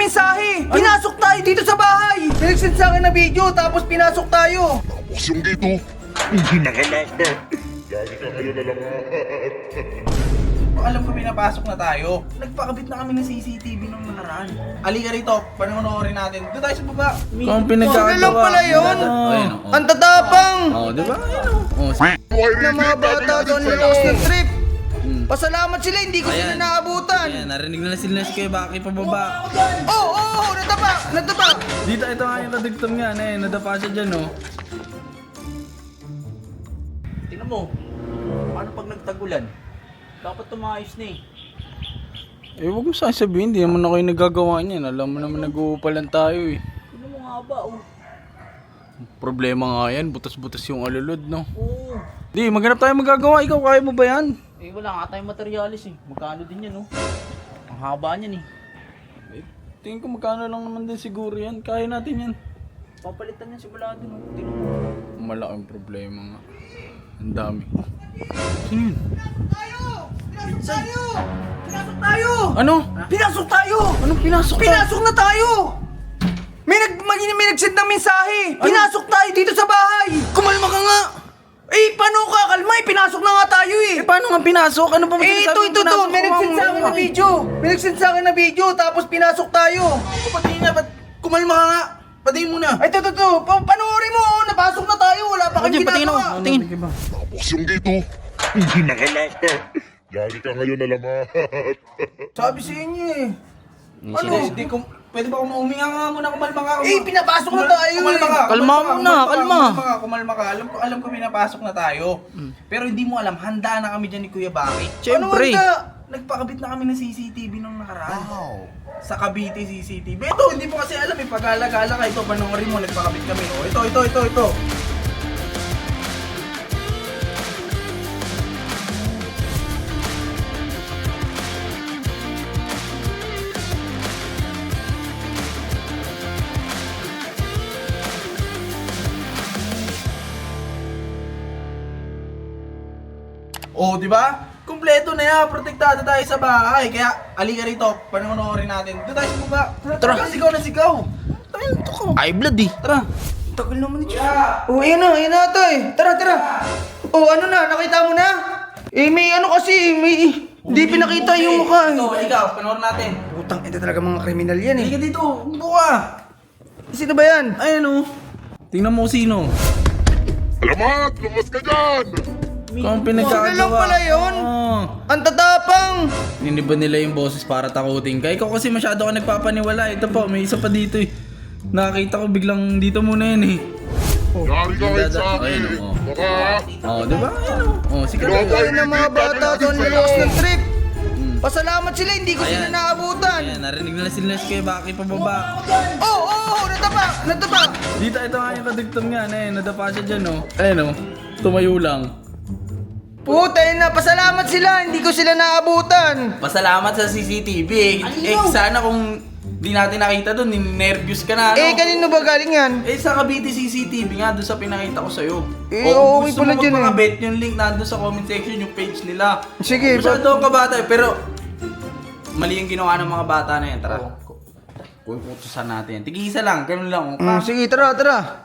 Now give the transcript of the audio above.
mensahe. Pinasok tayo dito sa bahay. Nag-send sa akin na video, tapos pinasok tayo. Tapos yung dito, hindi nakalak. Lagi ka ngayon na lang. Alam ko pinapasok na tayo. Nagpakabit na kami ng CCTV nung nakaraan. Halika rito, panoorin natin. Doon tayo sa baba. Kung pinagkakagawa. Sila lang pala yun. Ayun, Ang tatapang. oh, di ba? Ayun, oh. Na mga bata doon nalakas ng trip. Pasalamat sila, hindi ko sila Ayan. naabutan. Ayan, narinig na sila si Kuya Baki pababa. Oo, natapa. Dito, ito nga yung kadugtong nga, nadapa siya dyan, oh. Tingnan mo, paano pag nagtagulan? Dapat tumayos na eh. Eh, huwag mo sasabihin, hindi naman ako yung nagagawa niyan. Alam mo naman nag-uupalan tayo, eh. Tingnan mo nga ba, oh. Problema nga yan, butas-butas yung alulod, no? Oo. Di, maghanap tayo magagawa. Ikaw, kaya mo ba yan? Eh wala nga tayong materialis eh. Magkano din yan, oh. Ang haba niyan eh. Tingin ko magkano lang naman din siguro yan. Kaya natin yan. Papalitan yan sigurado, no. Tingnan mo. Malaking problema nga. Ang dami. Sino yun? Pinasok tayo. Ano? Pinasok tayo. Anong pinasok ka? Pinasok na tayo. May nag-send ng mensahe. Pinasok tayo dito sa bahay. Kumalma ka nga! Eh, paano ka kalma? Pinasok na nga tayo eh. Eh, paano nga pinasok? Ano pa Ito. May nag-send sa akin na video. May nag-send sa akin na video, tapos pinasok tayo. Pati nga, ba't kumalma ka nga? Pati muna. Ay, ito. Panoorin mo, napasok na tayo. Wala pa kang ginagawa. Tingin. Tapos yung dito, hindi nakalak. Lagi ka ngayon na lang. Sabi sa inyo eh. Ano? Pwede ba kung uminga nga muna, kumalma ka? Eh, pinapasok na tayo Kumalma ka. Kalma muna, kalma. Kumalma ka. Alam ko pinapasok na tayo. Pero hindi mo alam, handa na kami dyan ni Kuya Baki. Siyempre. Ano handa? Nagpakabit na kami ng CCTV nung nakaraan. Sa Cavite CCTV. Ito, hindi mo kasi alam eh. Pag-alagala ka, ito, panoorin mo, nagpakabit kami. Oh, ito. Oh, di ba? Kumpleto na yan, protektado tayo sa bahay. Kaya, halika rito, panoorin natin. Doon tayo sa baba. Tara. Sigaw na sigaw. Tayo ko. Ay, blood eh. Tara. Tagal naman ni Chika. Oh, ayan na tay. Tara. Oh, ano na, nakita mo na? Eh, may ano kasi, hindi pinakita yung mukha. Ikaw, panoorin natin. Putang, ito talaga mga kriminal yan eh. Halika dito, buka. Sino ba yan? Ayan o. Tingnan mo sino. Alamat! Lumos ka dyan! Kung pinagkakagawa. Sila lang pala yun. Oo. Ang tatapang. Niniba nila yung boses para takutin ka. Ikaw kasi masyado ka nagpapaniwala. Ito po, may isa pa dito eh. Nakakita ko biglang dito muna yan eh. Yari ka ngayon sa akin. Ayun, oh. Baka, Oh, di ba? Ayun o. Oh, sige. Tayo ng mga bata doon nalakas ng trip. Pasalamat sila, hindi ko sila Ayan. naabutan. Ayan, narinig na sila si Kuya Baki pababa. Oo, natapa. Dito, ito nga yung kadugtong nga. Nadapa siya dyan o. Ayun o. Tumayo lang. Puta yun na, pasalamat sila, hindi ko sila naabutan. Pasalamat sa CCTV eh. Sana kung di natin nakita doon, nervous ka na, ano? Eh, kanino ba galing yan? Eh, sa Cavite CCTV nga, doon sa pinakita ko sa'yo. Eh, O, okay gusto pala mo dyan eh. magpakabet, yung link nandun sa comment section, yung page nila. Sige, Masyado akong kabata eh, pero mali yung ginawa ng mga bata na yan. Tara. Kukutusan natin. Tigisa lang, ganun lang. Sige, tara.